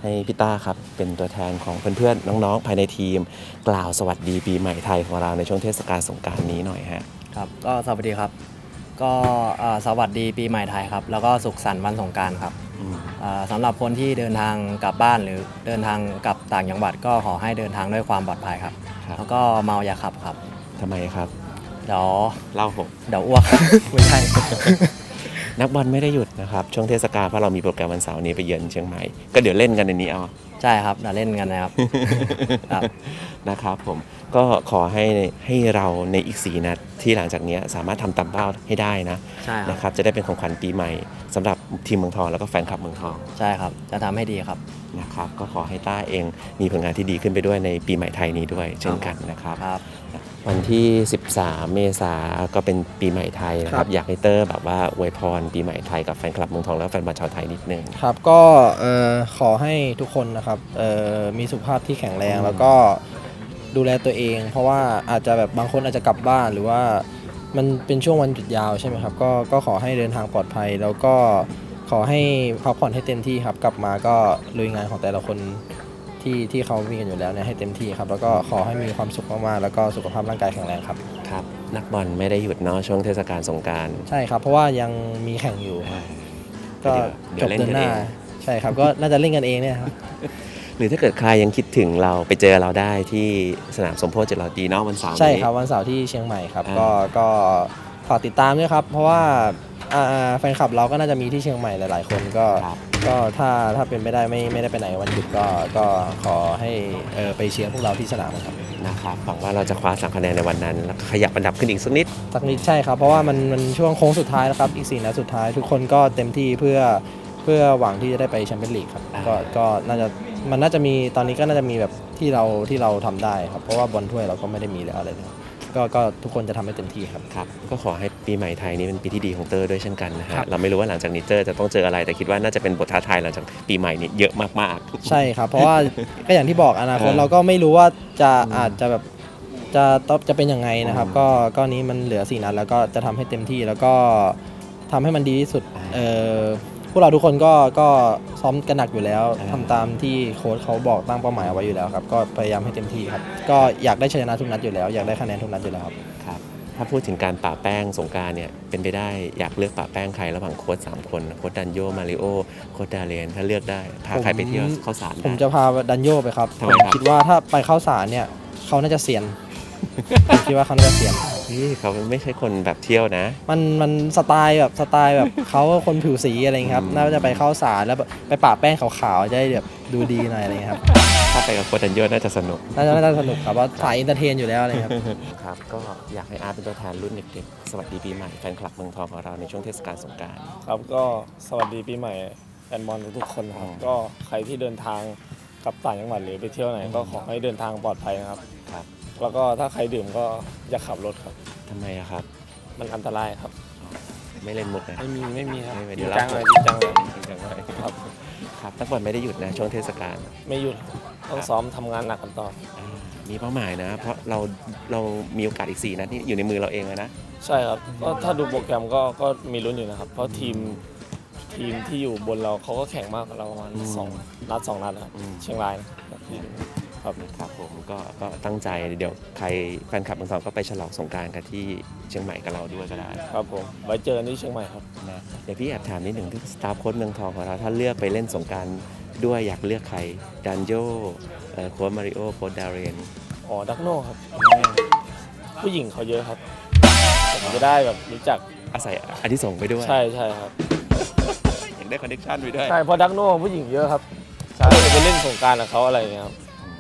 ให้พี่ต้าครับเป็นตัวแทนของเพื่อนๆน้องๆภายในทีมกล่าวสวัสดีปีใหม่ไทยของเราในช่วงเทศกาลสงกรานต์นี้หน่อยฮะครับก็สวัสดีครับก็สวัสดีปีใหม่ไทยครับแล้วก็สุขสันต์วันสงกรานต์ครับสำหรับคนที่เดินทางกลับบ้านหรือเดินทางกลับต่างจังหวัดก็ขอให้เดินทางด้วยความปลอดภัยครับแล้วก็เมาอย่าขับครับทำไมครับเดี๋ยวเล่าผมเดี๋ยวอ้วก ไม่ใช่นักบอลไม่ได้หยุดนะครับช่วงเทศกาลเพราะเรามีโปรแกรมวันเสาร์นี้ไปเยือนเชียงใหม่ก็เดี๋ยวเล่นกันในนี้เอาใช่ครับเดี๋ยวเล่นกันนะครับ ครับนะครับผมก็ขอให้เราในอีก4 นัดที่หลังจากนี้สามารถทำตามเป้าให้ได้นะใช่ครับนะครับจะได้เป็นของขวัญปีใหม่สำหรับทีมเมืองทองแล้วก็แฟนคลับเมืองทองใช่ครับจะทำให้ดีครับนะครับก็ขอให้ต้าเองมีผลงานที่ดีขึ้นไปด้วยในปีใหม่ไทยนี้ด้วยเช่นกันนะครับวันที่13 เมษายนก็เป็นปีใหม่ไทยนะครับอยากให้เตอร์แบบว่าอวยพรปีใหม่ไทยกับแฟนคลับเมืองทองและแฟนบอลชาวไทยนิดนึงครับก็ขอให้ทุกคนนะครับมีสุขภาพที่แข็งแรงแล้วก็ดูแลตัวเองเพราะว่าอาจจะแบบบางคนอาจจะกลับบ้านหรือว่ามันเป็นช่วงวันหยุดยาวใช่ไหมครับก็ขอให้เดินทางปลอดภัยแล้วก็ขอให้พักผ่อนให้เต็มที่ครับกลับมาก็ลุยงานของแต่ละคนที่เขามีกันอยู่แล้วเนี่ยให้เต็มที่ครับแล้วก็ขอให้มีความสุขมากๆแล้วก็สุขภาพร่างกายแข็งแรงครับครับนักบอลไม่ได้หยุดเนาะช่วงเทศกาลสงกรานต์ใช่ครับเพราะว่ายังมีแข่งอยู่ก็จบเดือนหน้าใช่ครับก็น่าจะเล่นกันเองเนี่ยครับหรือถ้าเกิดใครยังคิดถึงเราไปเจอเราได้ที่สนามสมโพธิ700 ปีเนาะวันเสาร์นี้ใช่ครับวันเสาร์ที่เชียงใหม่ครับก็ฝากติดตามด้วยครับเพราะว่าแฟนคลับเราก็น่าจะมีที่เชียงใหม่หลายๆคนก็ถ้าเป็นไม่ได้ไม่ได้ไปไหนวันหยุดก็ขอให้ไปเชียร์พวกเราที่สนามครับนะครับหวังว่าเราจะคว้า3 คะแนนในวันนั้นแล้วขยับอันดับขึ้นอีกสักนิดใช่ครับเพราะว่ามันช่วงโค้งสุดท้ายแล้วครับอีก4 นัดสุดท้ายทุกคนก็เต็มที่เพื่อหวังที่จะได้ไปแชมเปี้ยนลีกครับก็น่าจะมีตอนนี้ก็น่าจะมีแบบที่เราทำได้ครับเพราะว่าบอลถ้วยเราก็ไม่ได้มีแล้วอะไรเลยก็ทุกคนจะทำให้เต็มที่ครับครับก็ขอให้ปีใหม่ไทยนี้เป็นปีที่ดีของเตอร์ด้วยเช่นกันนะฮะเราไม่รู้ว่าหลังจากนี้เตอร์จะต้องเจออะไรแต่คิดว่าน่าจะเป็นบทท้าทายหลังจากปีใหม่นี้เยอะมากๆใช่ครับเพราะว่าก็อย่างที่บอกอนาคตเราก็ไม่รู้ว่าอาจจะแบบจะเป็นยังไงนะครับก็นี้มันเหลือ4 นัดแล้วก็จะทำให้เต็มที่แล้วก็ทำให้มันดีที่สุดพวกเราทุกคนก็ซ้อมกันหนักอยู่แล้วทำตามที่โค้ชเขาบอกตั้งเป้าหมายเอาไว้อยู่แล้วครับก็พยายามให้เต็มที่ครับก็อยากได้ชัยชนะทุกนัดอยู่แล้วอยากได้คะแนนทุกนัดอยู่แล้วครับถ้าพูดถึงการป่าแป้งสงกรานต์เนี่ยเป็นไปได้อยากเลือกป่าแป้งใครระหว่างโค้ช3 คนโค้ชดันโยมาริโอโค้ชดาเรนถ้าเลือกได้พาใครไปเที่ยวเข้าสารผมจะพาดันโยไปครับผมคิดว่าถ้าไปเข้าสารเนี่ยเขาน่าจะเซียนผมคิดว่าเขาน่าจะเซียนเขาไม่ใช่คนแบบเที่ยวนะมันสไตล์แบบเขาคนผิวสีอะไรครับน่าจะไปเข้าสารแล้วไปปะแป้งขาวๆจะได้แบบดูดีหน่อยอะไรครับถ้าไปกับโค้ชดันโยน่าจะสนุกครับว่าถ่ายอินเตอร์เทนอยู่แล้วอะไรครับครับก็อยากให้อาร์ตเป็นตัวแทนรุ่นเด็กๆสวัสดีปีใหม่แฟนคลับเมืองทองของเราในช่วงเทศกาลสงกรานต์ครับก็สวัสดีปีใหม่แฟนบอลทุกคนครับก็ใครที่เดินทางกลับต่างจังหวัดหรือไปเที่ยวไหนก็ขอให้เดินทางปลอดภัยนะครับแล้วก็ถ้าใครดื่มก็อย่าขับรถครับทำไมครับมันอันตรายครับไม่เล่นมุกนะไม่มีครับเดี๋ยวจังเลยครับนักบอลไม่ได้หยุดนะช่วงเทศกาลไม่หยุดต้องซ้อมทำงานหนักกันต่อมีเป้าหมายนะเพราะเรามีโอกาสอีก4 นัดที่อยู่ในมือเราเองนะใช่ครับก็ถ้าดูโปรแกรมก็มีลุ้นอยู่นะครับเพราะทีมที่อยู่บนเราเขาก็แข่งมากกว่าเราประมาณ2 นัดครับเชียงรายครับผมก็ตั้งใจเดี๋ยวใครแฟนคลับเมืองทองก็ไปฉลองสงกรานต์กันที่เชียงใหม่กับเราด้วยก็ได้ครับผมไว้เจอกันที่เชียงใหม่ครับนะเดี๋ยวพี่แอบถามนิดหนึ่งที่สตาฟโค้ชเมืองทองของเราถ้าเลือกไปเล่นสงกรานต์ด้วยอยากเลือกใครดันโยโค้ชมาริโอโค้ชดาเรนดักโน่ครับผู้หญิงเขาเยอะครับผมจะได้แบบรู้จักอาศัยอาทิส่งไปด้วยใช่ครับอยากได้คอนเนคชั่นไปด้วยใช่เพราะดักโน่ผู้หญิงเยอะครับใช่ไปเล่นสงกรานต์กับเขาอะไรอย่างเงี้ย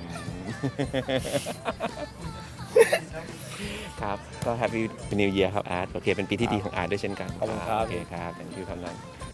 ครับก็ Happy New Year ครับอาร์ตโอเคเป็นปีที่ดีของอาร์ตด้วยเช่นกันขอบคุณครับโอเคครับอย่างที่คำนั้น